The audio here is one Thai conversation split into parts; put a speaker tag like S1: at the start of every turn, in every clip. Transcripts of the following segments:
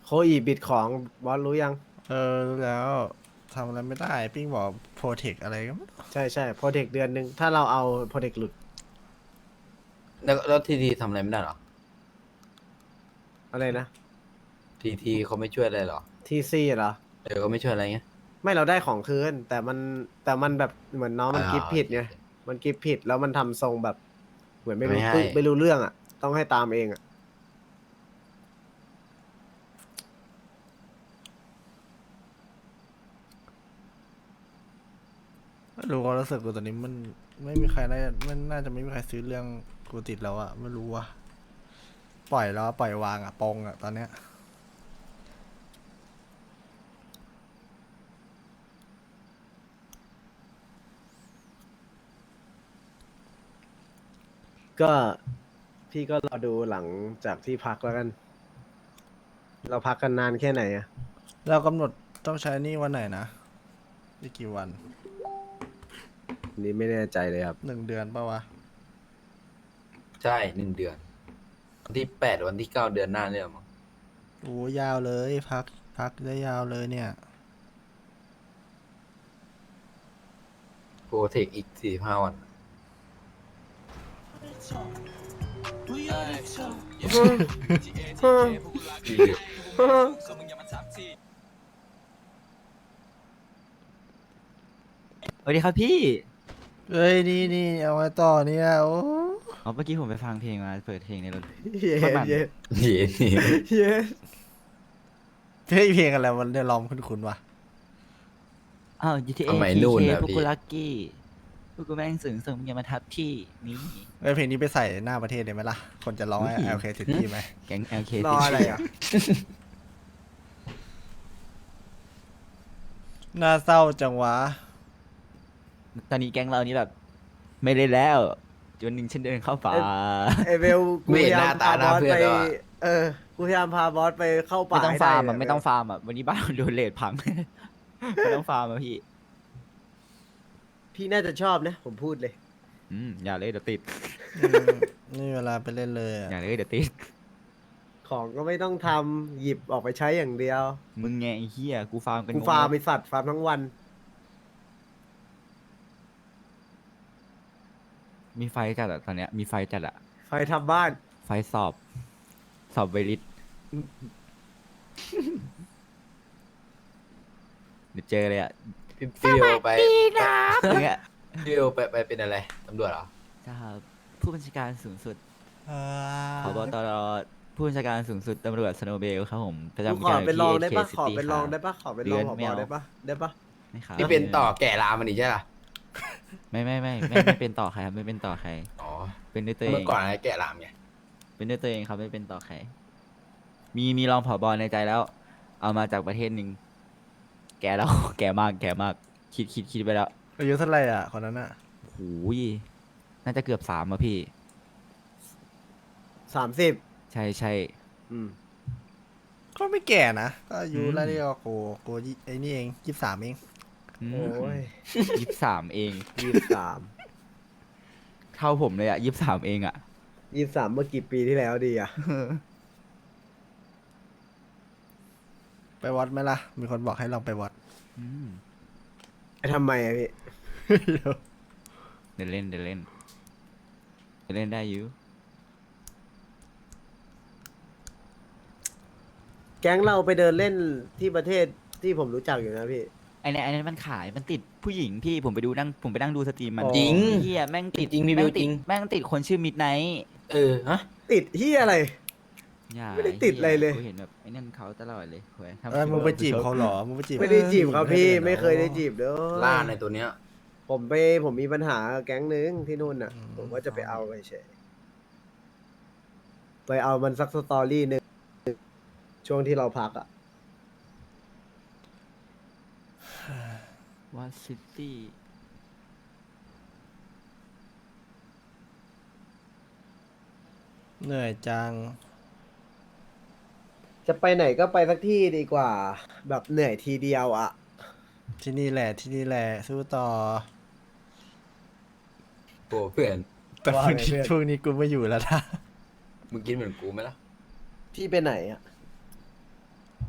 S1: โคอีบิดของบอสรู้ยัง
S2: รู้แล้วทำอะไรไม่ได้ปิ้งบอกโปรเทคอะไรก็ไม่รู้
S1: ใช่ใช่โปรเทคเดือนหนึ่งถ้าเราเอาโปรเทคหลุด
S3: แล้วทีทีทำอะไรไม่ได้เหรอ
S1: อะไรนะ
S3: ทีทีเขาไม่ช่วยอะไรเหรอ
S1: ทีซีเหรอ
S3: เขาไม่ช่วยอะไรเงี้ย
S1: ไม่เราได้ของคืนแต่มันแบบเหมือนน้องมันกิฟ
S3: โอ
S1: ผิดไง
S3: เคโอเค
S1: มันกิฟผิดแล้วมันทำทรงแบบเหมือนไม่รู้
S3: ไม่ให้
S1: ปึ๊ไม่รู้เรื่องอ่ะต้องให้ตามเองอ่ะ
S2: ไม่รู้ความรู้สึกกูตอนนี้มันไม่มีใครน่าจะไม่มีใครซื้อเรื่องกูติดแล้วอะไม่รู้ว่าปล่อยแล้วปล่อยวางอะปงอะตอนเนี้ย
S1: ก็พี่ก็รอดูหลังจากที่พักแล้วกันเราพักกันนานแค่ไหนอ่ะ
S2: เรากำหนดต้องใช้หนี่วันไหนนะอีกกี่วัน
S1: อันนี่ไม่แน่ใจเลยครับ
S2: 1 เดือนปะวะ
S3: ใช่1 เดือนวันที่ 8วันที่ 9เดือนหน้าเนี่ยมั้ง
S2: โอ้ยาวเลยพักได้ยาวเลยเนี่ย
S3: โปรเทคอีก45 วันดีเลย
S4: สวัสดีครับพี่
S2: เอ้ยนี่เอาไว้ต่อเนี่ยโอ้
S4: อ๋อเมื่อกี้ผมไปฟังเพลงมาเปิดเพลงในรถ
S1: เย็
S4: โคตรมัน
S1: นเย็น
S3: เย็น
S1: เย็น
S2: เพลงอะไรมันได้ร้องคุ้นๆวะ
S4: อ้าว GTA
S3: สมัย
S4: PK
S3: นู่นนะ
S4: พวก
S3: พี่
S4: กูลักกี้พวกกูแม่งสึงมึงอย่ามาทับที่นี่
S2: เพลงนี้ไปใส่หน้าประเทศได้ไหมล่ะ คนจะร้องให้ LK City ไหม
S4: แก๊ง LK
S1: รออะไรอ่ะ
S2: น่าเศร้าจังวะ
S4: ตอนนี้แก๊งเรานี่แบบ ไม่เล่นแล้วจนหนึ่งฉันเดินเข้าป่า
S1: ไอเวลกู
S3: ไม่
S1: พ
S3: เห็น
S1: ยา
S3: ห
S1: ยา
S3: น้าม ตา
S1: พา
S3: ห
S1: บ
S3: น้า
S1: อส
S3: เพื่อ
S1: ไป
S3: นแล้วอะ
S1: กูพยายามพาบอสไปเข้าป่า
S4: ไม่ต้อง
S1: ให้ได้
S4: ฟาร์มอ่ะ
S1: เวล
S4: ไม่ต้องฟาร์มอ่ะวันนี้บ้านโดนเลดพัง ไม่ต้องฟาร์มอ่ะพี่
S1: พี่น่าจะชอบนะ ผมพูดเลย
S4: อย่าเลยเดี๋ยวติด
S2: อืมนี่เวลาไปเล่นเลยอะ
S4: อย่าเลยเดี๋ยวติด
S1: ของก็ไม่ต้องทำหยิบออกไปใช้อย่างเดียว
S4: มึงไงไอ้เหี้ยกูฟาร์มกัน
S1: กู
S4: งง
S1: ฟาร์ม
S4: หม
S1: ไอ
S4: ด
S1: สัตว์ฟาร์มทั้งวัน
S4: มีไฟจัดอ่ะตอนเนี้ยมีไฟจัดอ่ะ
S1: ไฟทำบ้าน
S4: ไฟสอบไวริส เดี๋ยวเจอเลยอ่ะ
S3: พี่เบลไป
S4: อย่างเงี้ย
S3: พี่เบลไปเป็นอะไรตำรวจเหรอ
S4: จะผู้บัญชาการสูงสุด
S2: อ่า
S4: ผบตรผู้บัญชาการสูงสุดตำรวจสโนว์เบลครับผมประ
S1: กู
S4: จำ
S1: ขอ
S4: การ
S1: เป็นรองได้ปะ
S4: ที่
S1: ขอ
S4: KCity
S1: เป็นรองได้ปะขอเป็นรองผบได้ปะได้ปะ
S4: ไม่ครับ
S3: นี่เป็นต่อแก่รามมันอีกใช่ปะ
S4: ไม่เป็นต่อใครครับไม่เป็นต่อใคร
S3: อ๋อ
S4: เป็นด้วยตัวเอ
S3: เมื่อง ก่อนอะไรแก่รามไง
S4: เป็นด้วยตัวเองครับไม่เป็นต่อใคร มีรองผบในใจแล้ว เอามาจากประเทศหนึ่งแก่แล้ว แก่มากคิดไปแล้ว
S2: อายุเท่าไหร่อ่ะคนนั้นอ่ะ
S4: หูยน่าจะเกือบ3อ่ะพี่
S1: 30
S4: ใช่
S1: อืม
S2: ก็ไม่แก่นะ ก็อายุ
S4: อืม
S2: ไล่เรียกว่าโกไอ้นี่เอง23เอง
S1: โอ้ย
S4: 23เอง
S1: 23
S4: เท่าผมเลยอ่ะ23เองอ่ะ
S1: 23เมื่อกี่ปีที่แล้วดีอ่ะ
S2: ไปวัดไหมล่ะ มีคนบอกให้ลองไปวัด
S4: อืม
S1: ทำไมอะพี่
S4: เดี๋ยวเล่นได้อยู่
S1: แก๊งเราไปเดินเล่นที่ประเทศที่ผมรู้จักอยู่นะพี่
S4: ไอ้เนี่ยมันขายมันติดผู้หญิงพี่ผมไปนั่งดูสตรีมมัน
S1: อ๋อ
S3: จริง
S4: เฮียแม่งติด
S3: จริงมี
S4: แม่ง
S3: วิวจริ
S4: ติด
S3: ง
S4: แม่งติดคนชื่อมิดไนท์
S3: ฮะ
S1: ติดเฮียอะไร
S4: อย่า
S1: ไม่ได้ติดอะไรเลย
S4: กูเห็นแบบไอ้นั่นเขาตลอดเลยเว้ยทำ
S2: มึงไปจีบเขาเหรอ มึงไปจีบ
S1: ไม่ได้จีบครับพี่
S2: ด้
S1: ไม่เคยได้จีบเด้อ
S3: ล่าในตัวเนี้ย
S1: ผมมีปัญหากับแก๊งนึงที่นู่นน่ะ ผมว่าจะไปเอาไปเฉยไปเอามันสักสตอรี่หนึ่งช่วงที่เราพักอ่ะ
S4: ว่าซิตี้
S2: เหนื่อยจัง
S1: จะไปไหนก็ไปสักที่ดีกว่า แบบเหนื่อยทีเดียวอ่ะ
S2: ที่นี่แหละสู้ต่อ
S3: โอ้เพื่อน
S2: แต่
S1: ว่า
S2: พรุ่ง
S1: ไง
S2: นี้
S1: เพื่อน
S2: พรุ่งนี้กูไม่อยู่แล้วนะ
S3: มึงกินเหมือนกูไหมล่ะ
S1: พี่ไปไหนอ่ะ
S2: ไ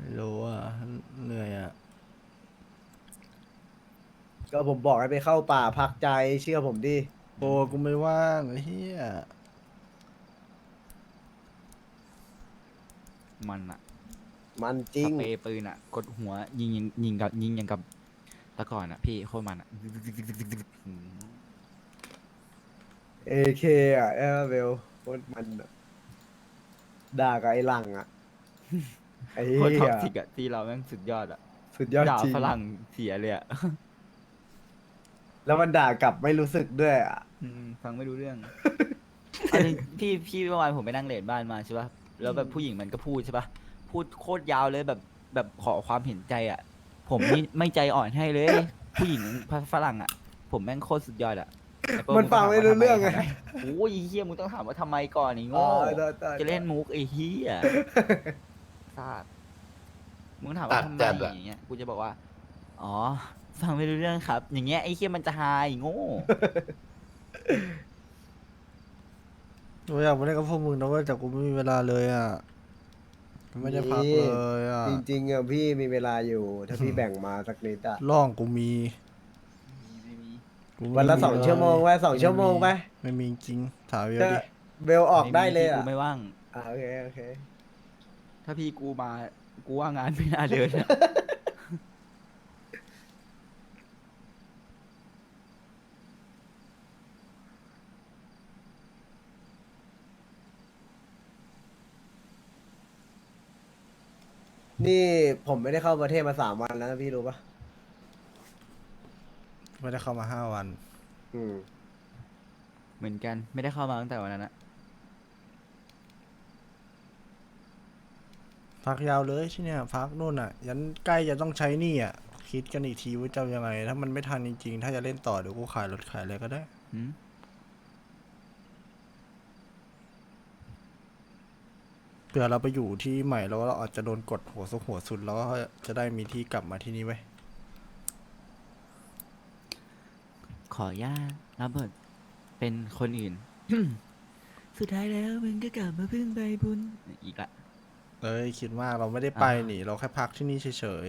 S2: ไม่รู้อ่ะเหนื่อยอ่ะ
S1: ก็ผมบอกให้ไปเข้าป่าพักใจเชื่อผมดิ
S2: โอ้กูไม่ว่างไอ้เหี้ย
S4: มันอะ
S1: มันจ
S4: ส
S1: ริง
S4: เปรย์ปืนอะกดหัวยิงอย่างกับแตะก่อนอะพี่โคตรมันอะอืม
S1: AK อ่ะเออเบลโคตรมันอะด่ากับไอ้หลังอ่ะไอ้
S4: โคตร
S1: เหี้
S4: ท็อก
S1: ย
S4: ซิกอะที่เราแม่งสุดยอดอะ
S1: สุดยอด
S4: ด่า
S1: จริง
S4: ฝรั่งเสียเลยอะ
S1: แล้วมันด่ากลับไม่รู้สึกด้วยอ่ะ
S4: ฟังไม่รู้เรื่อง อันนี้พี่เมื่อวานผมไปนั่งเลดบ้านมาใช่ป่ะแล้วแบบผู้หญิงมันก็พูดใช่ป่ะพูดโคตรยาวเลยแบบขอความเห็นใจอ่ะ ผมนี่ไม่ใจอ่อนให้เลย ผู้หญิงฝรั่งอ่ะ ผมแม่งโคตรสุดยอดอ่ะไอ้เปิ้ล
S1: มันฟังไม่รู้เรื่องไง
S4: ทำมโอ้ยไอ้เฮียมึงต้องถามว่าทำไมก่อนไอ้
S1: อ๋อ
S4: โง่
S1: ได้
S4: จะเล่นมุกไอ้เฮียซาดมึงถาม
S3: ตั
S4: ว่า
S3: ด
S4: ทำไม
S3: จัดอะ
S4: อย่างเงี้ยกูจะบอกว่าอ๋อฟังไม่รู้เรื่องครับ อย่างเงี้ยไอ้เฮียมันจะหายโง่
S2: กูอยากไปเล่นกับพวกมึงนะเว้ยแต่กูไม่มีเวลาเลยอ่ะกูไม่ได้พักเลยอ่ะ
S1: จริงๆอ่ะพี่มีเวลาอยู่ ถ้าพี่แบ่งมาสักนิดอ่ะ
S2: ร่องกูมี
S4: ไม่มี
S2: กูไม่
S1: วันละ
S2: มี
S1: 2 ชั่วโมงไป2 ชั่วโมงไป
S2: ไม่มีจริงถามเย
S1: ก็
S2: อะดิ
S1: เบลออกได้เลย
S4: พี่
S1: อ่ะ
S4: กูไม่ว่าง
S1: โอเคโอเค
S4: ถ้าพี่กูมา กูว่างานไม่น่าเดินอะ
S1: นี่ผมไม่ได้เข้าประเทศมา3 วันแล้วนะพี่รู้ปะ
S2: ไม่ได้เข้ามา5 วัน
S1: อืม
S4: เหมือนกันไม่ได้เข้ามาตั้งแต่วันนั้นอะ
S2: พักยาวเลยที่เนี่ยพักนู่นอ่ะ ยันใกล้จะต้องใช้หนี่อ่ะ คิดกันอีกทีว่าจะเอายังไง ถ้ามันไม่ทันจริงๆ ถ้าจะเล่นต่อเดี๋ยวกูขายรถขายอะไรก็ได้
S4: หืม
S2: เผื่อเราไปอยู่ที่ใหม่แล้วเราอาจจะโดนกดหัวสุดแล้วก็จะได้มีที่กลับมาที่นี่ไว้ย
S4: ขออนุญาตรับบทเป็นคนอื่น สุดท้ายแล้วมึงก็กลับมาพึ่งใบบุญอีกละ
S2: เอ้ยคิดมากเราไม่ได้ไป
S4: อ่า
S2: นี่เราแค่พักที่นี่เฉย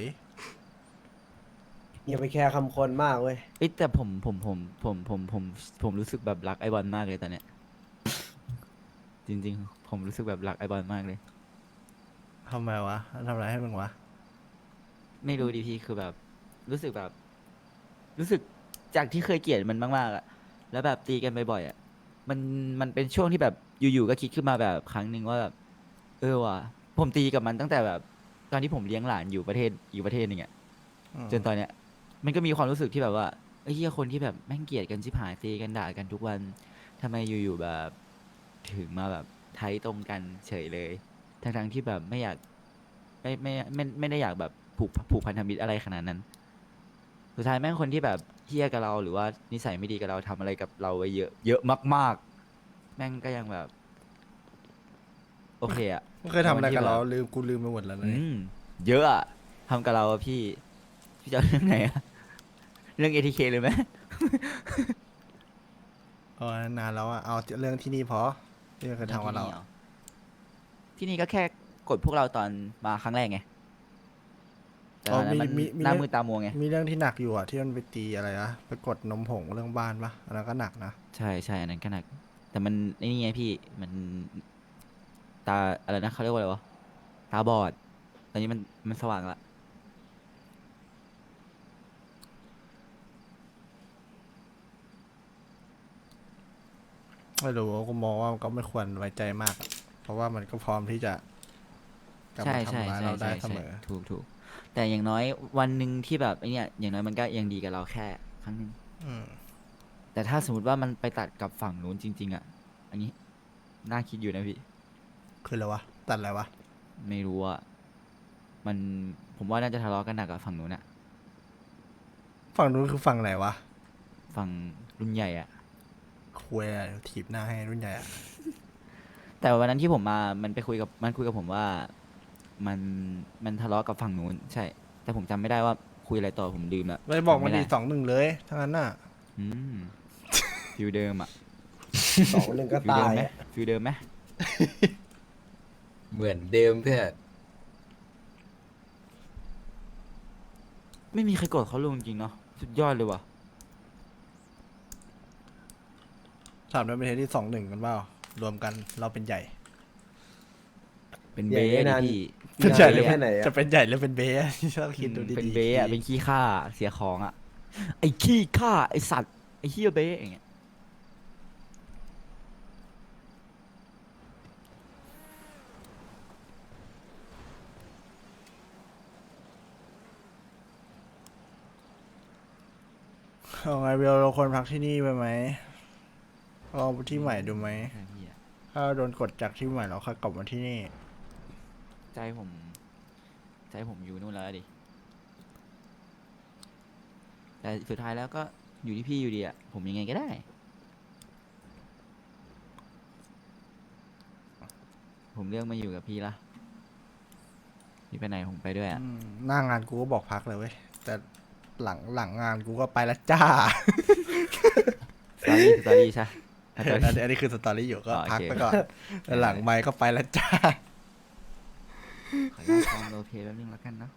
S1: อย่าไปแคร์คำคนมากเว้ย
S4: เอ้ยแต่ผมรู้สึกแบบรักไอบอลมากเลยตอนเนี้ย จริง ๆ ผมรู้สึกแบบรักไอบอลมากเลย
S2: ๆทำไมวะทำอะไรให้มึงวะ
S4: ไม่รู้ดิพี่คือแบบ รู้สึกแบบ รู้สึกจากที่เคยเกลียดมันมากๆอะแล้วแบบตีกันบ่อยๆอะมันเป็นช่วงที่แบบอยู่ๆก็คิดขึ้นมาแบบครั้งหนึ่งว่าแบบว่ะผมตีกับมันตั้งแต่แบบ ตอนที่ผมเลี้ยงหลานอยู่ประเทศอีกประเทศหนึ่งอะ จนตอนเนี้ยมันก็มีความรู้สึกที่แบบว่าไอ้เหี้ยคนที่แบบแม่งเกลียดกันชิบหายตีกันด่ากันทุกวันทำไมอยู่ๆแบบถึงมาแบบไทยตรงกันเฉยเลยทั้งๆที่แบบไม่อยากไม่ได้อยากแบบผูกพันธมิตรอะไรขนาดนั้น สุดท้ายแม่งคนที่แบบเฮี้ยกับเราหรือว่านิสัยไม่ดีกับเราทำอะไรกับเราไว้เยอะมากๆ แม่งก็ยังแบบ โอเคอะ
S2: ไม่เคยทำอะไรกับเรา
S4: วันที่แบบ
S2: ลืมกูลืมไปหมดแล้วนะ
S4: อืมเยอะอะทำกับเราอะพี่จะเอาเรื่องไหนอะเรื่อง ATK เลยไหม
S2: เอานานแล้วอะเอาเรื่องที่นี่พอที่เคยทำกับเรา
S4: ที่นี่ก็แค่กดพวกเราตอนมาครั้งแรกไงแต่ตอนนั้นมันหน้ามือตามัวไง
S2: มีเรื่องที่หนักอยู่อะที่มันไปตีอะไรนะไปกดนมผงเรื่องบ้านปะอันนั้นก็หนักนะ
S4: ใช่อันนั้นก็หนัก แต่มันไอ้นี่ไงพี่มันตาอะไรนะเขาเรียกว่าอะไรวะตาบอด ตอนนี้มันสว่างละ
S2: ไม่รู้กูมองว่ามันก็ไม่ควรไว้ใจมากอะเพราะว่ามันก็พร้อมที่จะกลับ
S4: ใช่
S2: มาทำร้ายเราได้เสมอ
S4: ถูกแต่อย่างน้อยวันหนึ่งที่แบบไอ้เนี่ยอย่างน้อยมันก็ยังดีกับเราแค่ครั้งหนึ่ง
S2: อืม
S4: แต่ถ้าสมมติว่ามันไปตัดกับฝั่งนู้นจริง ๆ อ่ะ อันนี้น่าคิดอยู่นะพี่
S2: คืออะไรวะตัดอะไรวะ
S4: ไม่รู้อ่ะมันผมว่าน่าจะทะเลาะกันหนักกับฝั่งนู้นอะ
S2: ฝั่งนู้นคือฝั่งไหนวะ
S4: ฝั่งรุ่นใหญ่อะ
S2: คุยอะไรถีบหน้าให้รุ่นใหญ่อะ
S4: แต่วันนั้นที่ผมมามันคุยกับผมว่ามันทะเลาะกับฝั่งนู้นใช่ แต่ผมจำไม่ได้ว่าคุยอะไรต่อผมลืมละ
S2: ไม่บอกมัน
S4: จำ
S2: ดี
S4: ด้
S2: 2-1เลยทั้งนั้นน่ะ
S4: อืมฟิลเดิมอะ
S1: 2-1ก็
S4: ฟิล
S1: ตา
S4: เดิม
S1: ย
S4: ไหม
S1: อะ
S4: ฟิลเดิมไหม
S3: เหมือนเดิมเพื่อน
S4: ไม่มีใครโกรธเขาลุงจริงๆเนาะสุดยอดเลยว่ะ
S2: ถามด้วยประเทศที่2-1กันเปล่ารวมกันเราเป็นใหญ่
S4: เป็น
S1: ใหญ่
S4: เบ้
S1: ได้
S4: ดิ
S1: นาน
S4: พี่
S2: เป็นใหญ่หรือ
S1: แค่ไหนอะ
S2: จะเป็นใหญ่หรือเป็นเบ้ ต้องคิดดูดีๆ
S4: เป็นเบ้อะเป็นขี้ข้าเสียของอะไอ้ขี้ข้าไอ้สัตว์ไอ้เฮียเบ้อย่างเงี้ย
S2: เอาไงเบลเราควรพักที่นี่ไปไหมลองที่ใหม่ดูไหม
S4: ใช่พี่อะ
S2: ถ้าโดนกดจากที่ใหม่เราค่อยกลับมาที่นี่
S4: ใจผมใจผมอยู่นู่นแล้วดิแต่สุดท้ายแล้วก็อยู่ที่พี่อยู่ดีอะผมยังไงก็ได้ ผมเลือกมาอยู่กับพี่ละพี่ไปไหนผมไปด้วยอะ
S2: หน้างานกูก็บอกพักเลยเว้ย แต่หลังงานกูก็ไปแล้วจ้า
S4: สตอรี่ใช่
S2: อั
S4: สตอรี่
S2: นนี้คือสตอรี่อยู่ก็
S4: อ๋อโอเค
S2: พักไปก่อนแต่หลังไมค์ก็ไปแล้วจ้า
S4: ขออนุญาตฟังโรลเพลย์แป๊บนึงแล้วกันเนาะ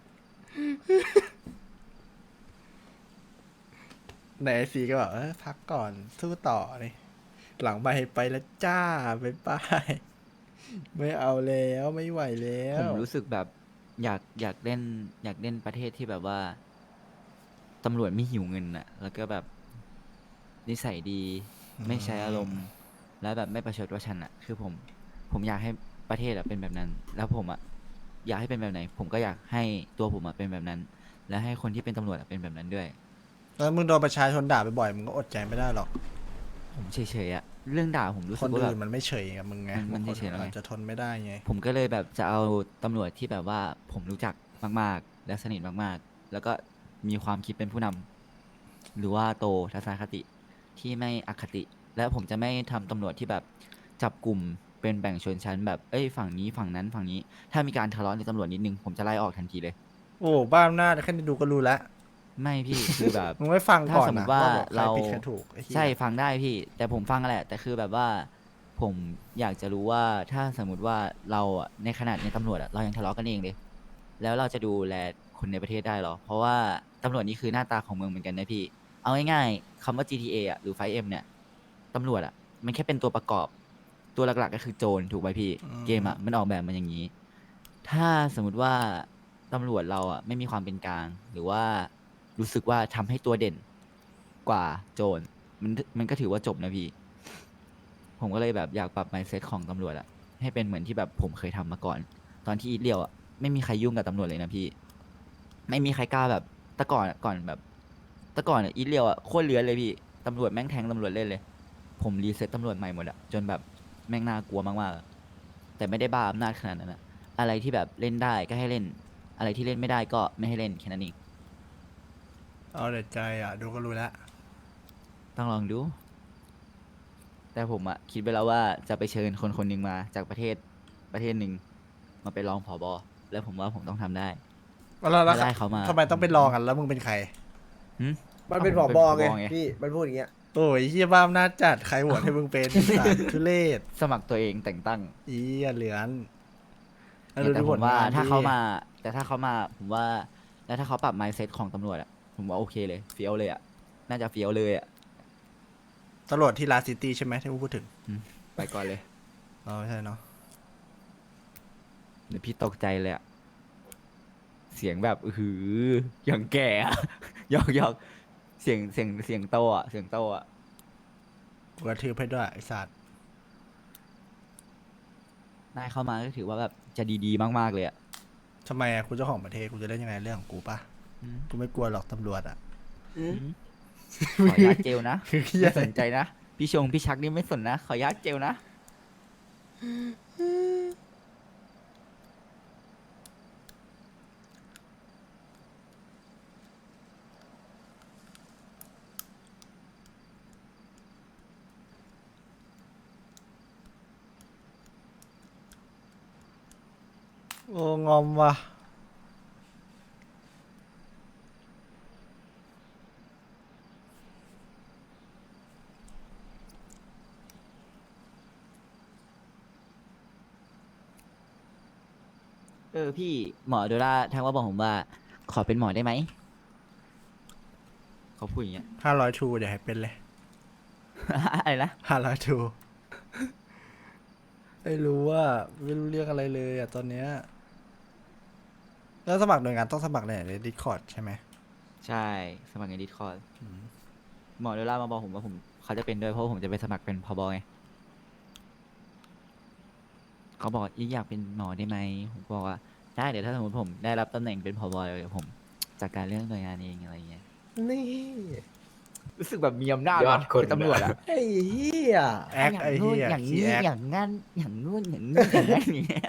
S2: ในไอซีก็แบบพักก่อนสู้ต่อนี่หลังไมค์ไปแล้วจ้าบ๊ายบายไม่เอาแล้วไม่ไหวแล้
S4: ผ
S2: ว
S4: มรู้สึกแบบอยากเล่นประเทศที่แบบว่าตำรวจไม่หิวเงินอะแล้วก็แบบนิสัยดีไม่ใช้อารมณ์ แล้วแบบไม่ประชดประชันอะคือผมอยากให้ประเทศอะเป็นแบบนั้น แล้วผมอะอยากให้เป็นแบบไหน ผมก็อยากให้ตัวผมอะเป็นแบบนั้น และให้คนที่เป็นตำรวจอะเป็นแบบนั้นด้วย
S2: แล้วมึงโดนประชาชนด่าบ่อยๆมึงก็อดใจไม่ได้หรอก
S4: ผมเฉยๆอะเรื่องด่าผมรู้
S2: ค
S4: สึก
S2: น
S4: ว่าแบ
S2: อื่
S4: บ
S2: นมันไม่เฉยกับมึงไง
S4: มัน
S2: บางคน
S4: เฉยๆแล้วไง
S2: อาจจะทนไม่ได้ไง
S4: ผมก็เลยแบบจะเอาตำรวจที่แบบว่าผมรู้จักมากๆ และสนิทมากๆ แล้วก็มีความคิดเป็นผู้นำหรือว่าโตทัศนคติที่ไม่อคติ และผมจะไม่ทำตำรวจที่แบบจับกลุ่มเป็นแบ่งชนชั้นแบบเอ้ยฝั่งนี้ฝั่งนั้นฝั่งนี้ ถ้ามีการทะเลาะในตำรวจนิดนึงผมจะไล่ออกทันทีเลย
S2: โอ้บ้าอำนาจแค่ดูก็รู้แล้ว
S4: ไม่พี่ คือแบบ
S2: มึงไม่ฟังก่อน
S4: ถ้าสมม
S2: นะ
S4: ติว่า
S2: แบบใคร
S4: เรา
S2: ผิดใครถูกไอ้เหี้ย
S4: ใช่ฟังได้พี่ แต่ผมฟังแหละ แต่คือแบบว่า ผมอยากจะรู้ว่าถ้าสมมติว่าเราอะในขนาดในตำรวจอะเรายังทะเลาะกันเองเลย แล้วเราจะดูแลคนในประเทศได้หรอ เพราะว่าตำรวจนี่คือหน้าตาของเมืองเหมือนกันนะพี่ เอาง่ายๆคำว่า GTA อะหรือ 5M เนี่ยตำรวจอะมันแค่เป็นตัวประกอบ ตัวหลักๆก็คือโจรถูกไหมพี่ เกมอะมันออกแบบมันอย่างนี้ ถ้าสมมติว่าตำรวจเราอะไม่มีความเป็นกลาง หรือว่ารู้สึกว่าทำให้ตัวเด่นกว่าโจรมันก็ถือว่าจบนะพี่ ผมก็เลยแบบอยากปรับ mindset ของตำรวจอะให้เป็นเหมือนที่แบบผมเคยทำมาก่อน ตอนที่อีทเรียวอะไม่มีใครยุ่งกับตำรวจเลยนะพี่ ไม่มีใครกล้าแบบแต่ก่อนอะก่อนแบบแต่ก่อนอะอีทเรียวอะโคตรเลื้อนเลยพี่ตำรวจแม่งแทงตำรวจเล่นเลย ผมรีเซ็ตตำรวจใหม่หมดอะจนแบบแม่งน่ากลัวมากๆอะแต่ไม่ได้บ้าอำนาจขนาดนั้นอะอะไรที่แบบเล่นได้ก็ให้เล่น อะไรที่เล่นไม่ได้ก็ไม่ให้เล่นแค่นั้นเอง
S2: เอาแต่ใจอ่ะดูก็รู้แล้ว
S4: ต้องลองดู แต่ผมอะคิดไปแล้วว่าจะไปเชิญคนคนหนึ่งมาจากประเทศหนึ่งมาไปนรองผบแล้วผมว่าผมต้องทำได้
S2: แล้ว
S4: ไม่ได้เขามา
S2: ทำไมต้องไปลองกันแล้วมึงเป็นใคร
S4: หึ
S1: มันเป็นผ
S4: อ้า
S1: บ
S4: ผม
S1: ไง
S4: ไง
S1: พี่มันพูดอย่างเงี้ย
S2: โอ้ยเฮียบ้าอำนาจจัดใครโหวตให้มึงเป็นสารทุเรศ
S4: สมัครตัวเองแต่งตั้ง
S2: อีเหลือน
S4: แต่ผมว่า
S2: ผลงน
S4: ถ้า
S2: ดิ
S4: เขามา แต่ถ้าเขามาผมว่า แล้วถ้าเขาปรับ mindset ของตำรวจอะผมว่าโอเคเลยเฟี้ยวเลยอะน่าจะเฟี้ยวเลยอะ
S2: ตำรวจที่ลาซิตี้ใช่ไหมที่มึงพูดถึง
S4: ไปก่อนเลย
S2: อ๋อไม่ใช่เนาะ
S4: เดี๋ยวพี่ตกใจเลยอะเสียงแบบหืออย่างแก่อะ หยอกเสียงโตอะเสียงโตอะ
S2: กูกระทืบให้ด้วยไอ้สัตว์
S4: นายเข้ามาก็ถือว่าแบบจะดีๆมากๆเลยอะ
S2: ทำไมอ่ะกูเจ้าของประเทศกูจะเล่นยังไงเรื่องของกูปะ
S4: อืม
S2: กูไม่กลัวหรอกตำรวจอ่ะ
S4: ขออนุญาตเจลนะ
S2: คือเหี้ย
S4: ไม่สนใจนะ พี่ชงพี่ชักนี่ไม่สนนะ ขออนุญาตเจลนะ
S2: โอ้งอมว่ะ
S4: พี่หมอโดราทักว่าบอกผมว่า ขอเป็นหมอได้ไหมเขาพูดอย่างเงี้ย
S2: 500ทูเดี๋ยวให้เป็นเลย
S4: อะไรนะ
S2: 500ทูไม่รู้ว่าไม่รู้เรื่องอะไรเลยอ่ะตอนเนี้ยแล้วสมัครหน่วยงานต้องสมัครในDiscord ใช่ไหม
S4: ใช่สมัครในดิสคอร์ดหมอเดล่ามาบอกผมว่าเขาจะเป็นด้วยเพราะว่าผมจะไปสมัครเป็นพบไงเขาบอกอยากเป็นหมอได้ไหมผมบอกว่าได้เดี๋ยวถ้าสมมติผมได้รับตำแหน่งเป็นพบเดี๋ยวผมจัดการเรื่องหน่วยงานเองอะไรเงี้ย
S1: นี่
S4: รู้สึกแบบมีอำนาจ
S3: ยอดคน
S4: เป็นตำรวจอะ
S1: ไอ้เหี้ย
S2: แอคไอ้เหี้ย
S4: อย่าง
S2: ขี้
S4: นี้
S2: แอค
S4: อย่างงั้นอย่างนู้นอย่างนี้อย่างนั้นอย่างเงี้ย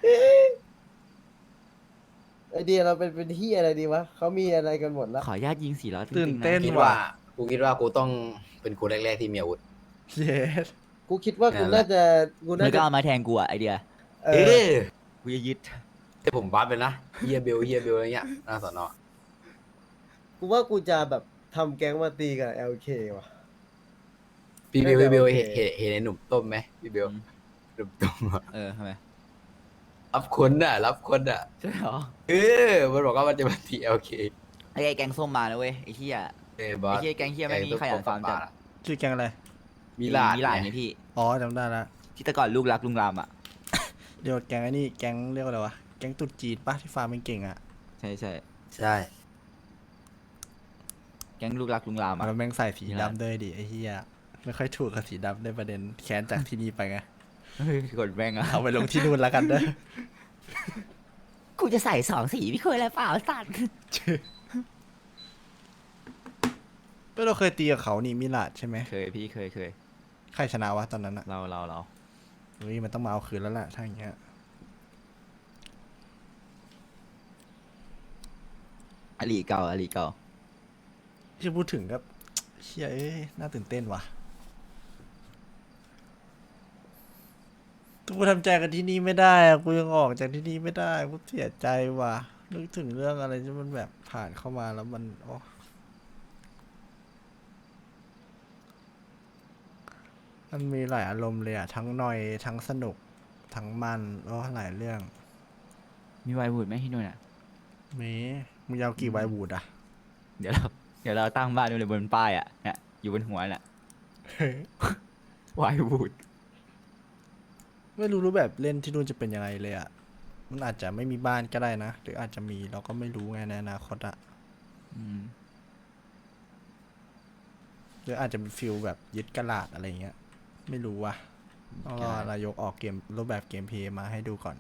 S1: ไอเดียเราเป็นเหี้ยอะไรดีวะเขามีอะไรกันหมดแล้ว
S4: ขออนุญาตยิง400
S2: ตื่นเต้น
S3: คิด
S2: ว่ะ
S3: ว่ากูคิดว่ากูต้องเป็นคนแรกๆที่มีอาวุธ
S2: เย็ด
S1: กูคิดว่ากูน่าจะกู
S4: มั
S1: น่าน
S4: ก็
S1: จะ
S4: เอามาแทงกูอะไอเดีย
S1: เอ
S3: เอ
S1: อ
S3: อ
S4: กูจะยึด
S3: ให้ผมบัฟเลยนะเฮียเบลอะไรเงี้ยหน้าสอนอ
S1: กูว่ากูจะแบบทำแก๊งมาตีกับ LK ว่ะ
S3: พี่เบล
S1: น่าจะโอเค
S3: เห็นไอ้หนุ่มต้มไหมพี่เบลหนุ่มต้มอะ
S4: ทำไม
S3: รับคนอ่ะ
S4: ใช่เหรอ
S3: มันบอกว่ามันจะมาตีโอเค
S4: ไอ้แกงส้มมานะเว้ยไอ้เหี้ย
S3: บอ
S4: ไอ้
S3: ส
S4: เหี้ยแกงเหี้ยไม่มีขยันฟาร์มจัด
S2: ชื่อแกงอะไร
S3: มีลาด
S4: มีหลาน
S3: ไง
S4: ไงพี่
S2: อ๋อจำได้ละ
S4: ที่แต่ก่อนลูกรักลุงรามอะ
S2: เดี๋ยวแกงไอ้นี่แกงเรียกว่าอะไรวะแกงตุ๊ดจีนปะที่ฟาร์มเก่งๆอ่ะ
S4: ใช่ใช่
S3: ใช่
S4: แกงลูกรักลุงรามอะ
S2: แล้วแม่งใส่สี
S4: มีละ
S2: ดำด้วยดิไอ้เหี้ยไม่ค่อยถูกกับสีดำในประเด็นแค้นจากที่นี่ไปไง
S4: เฮ้ยกดแม่งอะ
S2: เอาไปลงที่นู่นแล้วกันเด้อ
S4: กูจะใส่2 สีพี่เคยอะไรเปล่าสัตว์
S2: ก็เราเคยตีกับเขานี่มิลาดใช่ไหม
S4: เคยพี่เคย
S2: ใครชนะวะตอนนั้นอะ
S4: เรา
S2: เฮ้ยมันต้องมาเอาคืนแล้วล่ะถ้าอย่างเงี้ย
S4: อลีเก่า
S2: ที่พูดถึงก็เชี่ยเอ้ยน่าตื่นเต้นว่ะกูทำใจกับที่นี่ไม่ได้อะกูยังออกจากที่นี่ไม่ได้กูเสียใจว่ะนึกถึงเรื่องอะไรที่มันแบบผ่านเข้ามาแล้วมันโอ้มันมีหลายอารมณ์เลยอะทั้งนอยทั้งสนุกทั้งมันหลายเรื่อง
S4: มีไวบูดไหมที่นู่นอะ
S2: มีมึงยาวกี่ไวบูดอะ
S4: เดี๋ยวเราตั้งบ้านไว้เลยบนป้ายอะเนี่ยอยู่บนหัวน่ะไวบูด
S2: ไม่รู้รูปแบบเล่นที่นู่นจะเป็นยังไงเลยอะมันอาจจะไม่มีบ้านก็ได้นะ หรืออาจจะมีเราก็ไม่รู้ไงในอนาคตอะ หรืออาจจะเป็นฟิลแบบยึดกระลาดอะไรเงี้ย ไม่รู้ว่ะต้องรอนายกออกเกมรูปแบบเกมเพลย์มาให้ดูก่อน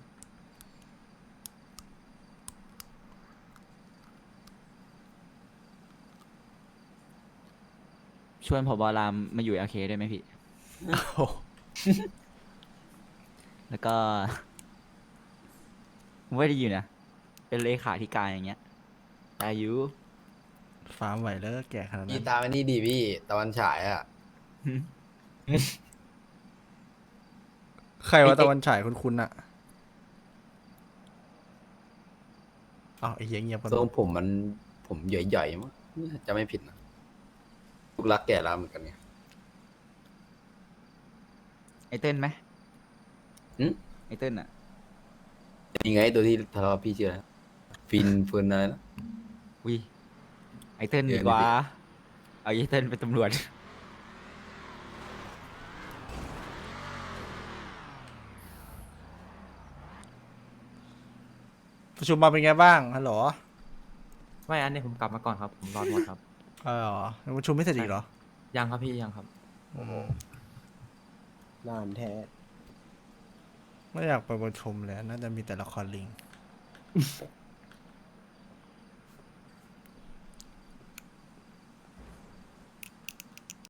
S4: ชวนผบรามมาอยู่โอเคได้ไหมพี่ แล้วก็ ไม่ได้อยู่นะ เป็นเลขาธิการอย่างเงี้ยอายุ
S2: ฟาร์มไหวแล้วก็แก่ขนาด
S3: พี่
S2: นั้น
S3: ตามอันนี้ดีพี่ตะวันฉายอ่ะ
S2: ใครว่าตะวันฉายคุณอะอ้าวไอ้เหี้ยเงียบกัน
S3: ทรงผมใหญ่ๆมั้งจะไม่ผิดนะลูกรักแก่แล้วเหมือนกันไง
S4: ไอเติ้ลไหม
S3: หืม
S4: ไอเติ้ลอะ
S3: ยังไงตัวที่ทะเลาะพี่ชื่ออะไรนะฟินอะไรนะ
S4: วิไอเติ้ล
S3: เดี๋
S4: ดี
S3: ยว
S4: กว่า
S3: นี่
S4: เอาไอเติ้ลเป็นตำรวจ
S2: ประชุมมาเป็นไงบ้างฮัลโหล
S5: ไม่อันนี้ผมกลับมาก่อนครับ ผมรอดหมดครับ
S2: เหรอยังประชุมไม่เสร็จอีกเหรอ
S5: ยังครับพี่ยังครับ
S1: นานแท้
S2: ไม่อยากไปประชุมเลยน่าจะมีแต่ละครลิง